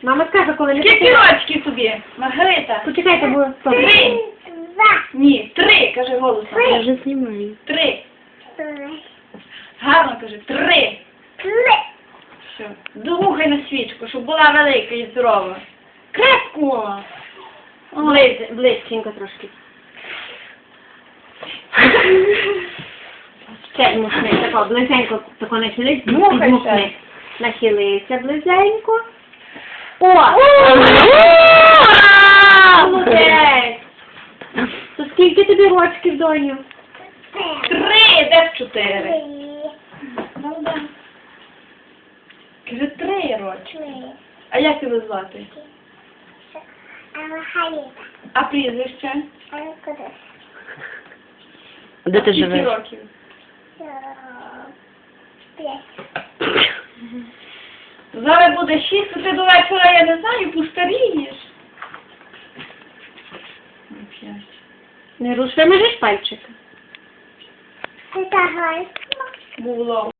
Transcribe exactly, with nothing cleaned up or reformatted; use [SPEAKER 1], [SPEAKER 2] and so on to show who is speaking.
[SPEAKER 1] Мама скаже, коли не
[SPEAKER 2] Скільки рочків тобі, Маргарита?
[SPEAKER 1] Почекайте, бо...
[SPEAKER 2] Три. Ні, три, каже голосом.
[SPEAKER 1] Я вже знімаю.
[SPEAKER 2] Три. Гарно каже, три. Все. Догухай на свічку, щоб була велика і здорова. Крепко.
[SPEAKER 1] Близь, близько трошки. Ще мусни, тако, близенько, тако нахились,
[SPEAKER 2] Мухай
[SPEAKER 1] підмухни. Нахилися близенько. О! Молодець! То скільки тобі рочків, доню?
[SPEAKER 2] Три, де ж чотири? Молода. Каже, три рочки. А як тебе звати? А прізвище?
[SPEAKER 1] Де ти
[SPEAKER 2] Скільки
[SPEAKER 1] живеш?
[SPEAKER 2] років? Зараз буде шість, то ти до вечора, я не знаю, постарієш. П'ять.
[SPEAKER 1] Не руш, вимежиш пальчика.
[SPEAKER 2] Було.